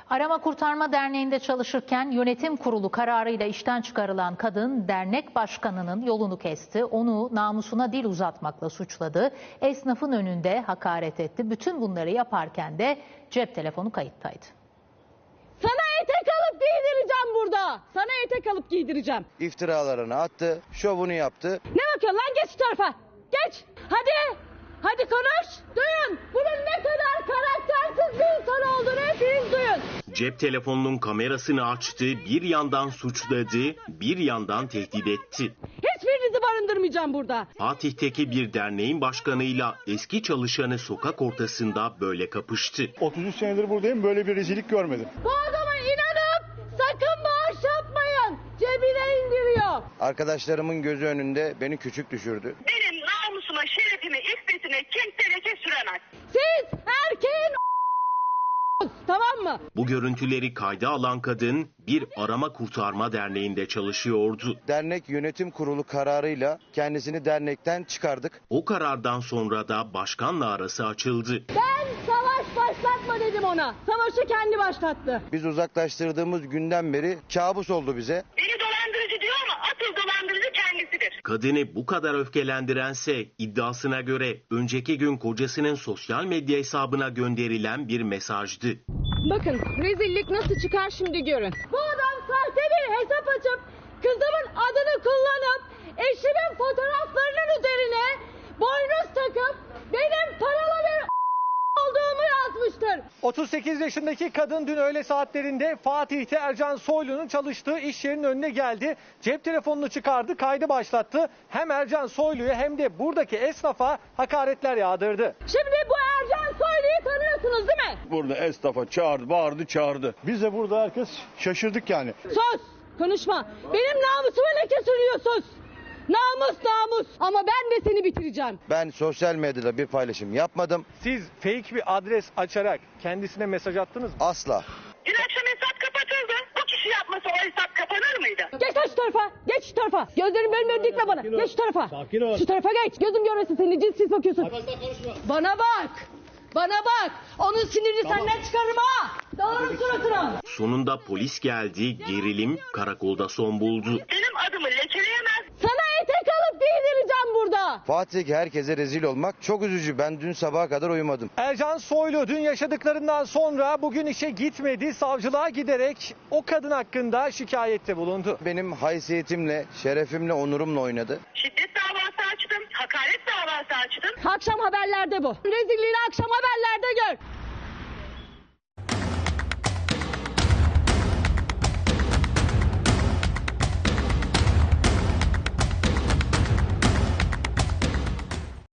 Arama Kurtarma Derneği'nde çalışırken yönetim kurulu kararıyla işten çıkarılan kadın dernek başkanının yolunu kesti. Onu namusuna dil uzatmakla suçladı. Esnafın önünde hakaret etti. Bütün bunları yaparken de cep telefonu kayıttaydı. Sana etek alıp giydireceğim burada. Sana etek alıp giydireceğim. İftiralarını attı, şovunu yaptı. Ne bakıyorsun lan, geç şu tarafa. Geç. Hadi. Hadi konuş. Duyun. Bunun ne kadar karaktersiz bir insan olduğunu hepiniz duyun. Cep telefonunun kamerasını açtı, bir yandan suçladı, bir yandan tehdit etti. Hiçbirinizi barındırmayacağım burada. Fatih'teki bir derneğin başkanıyla eski çalışanı sokak ortasında böyle kapıştı. 33 senedir buradayım, böyle bir rezillik görmedim. Bu adama inanıp sakın bağış yapmayın. Cebine indiriyor. Arkadaşlarımın gözü önünde beni küçük düşürdü. Benim namusuma, şerefime, iffetime kimse leke süremez. Siz erkeğin tamam mı? Bu görüntüleri kayda alan kadın bir arama kurtarma derneğinde çalışıyordu. Dernek yönetim kurulu kararıyla kendisini dernekten çıkardık. O karardan sonra da başkanla arası açıldı. Ben savaş başlatma dedim ona. Savaşı kendi başlattı. Biz uzaklaştırdığımız günden beri kabus oldu bize. Beni dolandırıcı diyor ama asıl dolandırıcı kendisidir. Kadını bu kadar öfkelendirense iddiasına göre önceki gün kocasının sosyal medya hesabına gönderilen bir mesajdı. Bakın rezillik nasıl çıkar şimdi görün. Bu adam sahte bir hesap açıp kızımın adını kullanıp eşimin fotoğraflarının üzerine boynuz takıp benim paralı bir olduğumu yazmıştır. 38 yaşındaki kadın dün öğle saatlerinde Fatih'te Ercan Soylu'nun çalıştığı iş yerinin önüne geldi. Cep telefonunu çıkardı, kaydı başlattı. Hem Ercan Soylu'ya hem de buradaki esnafa hakaretler yağdırdı. Şimdi bu Ercan Soylu'yu tanıyorsunuz değil mi? Burada esnafa çağırdı, bağırdı, çağırdı. Biz de burada herkes şaşırdık yani. Sus! Konuşma. Benim namusuma leke sürüyorsun. Namus. Ama ben de seni bitireceğim. Ben sosyal medyada bir paylaşım yapmadım. Siz fake bir adres açarak kendisine mesaj attınız mı? Asla. Dün akşam hesap kapatıldı. Bu kişi yapmasa o hesap kapanır mıydı? Geç lan şu tarafa. Geç şu tarafa. Gözlerin bölmüyor, dikme bana. Geç şu tarafa. Sakin ol. Şu tarafa geç. Gözüm görmesin seni. Cinsiz bakıyorsun. Bana bak. Bana bak. Onun sinirini senden çıkarırım ha. Dağılırım suratına. Sonunda polis geldi, gerilim karakolda son buldu. Benim adımı lekeleyemez. Sana etek alıp giydireceğim burada. Fatih'teki herkese rezil olmak çok üzücü. Ben dün sabaha kadar uyumadım. Ercan Soylu dün yaşadıklarından sonra bugün işe gitmedi. Savcılığa giderek o kadın hakkında şikayette bulundu. Benim haysiyetimle, şerefimle, onurumla oynadı. Şiddet davası açtım. Hakaret davası açtım. Akşam haberlerde bu. Rezilliğini akşam haberlerde gör.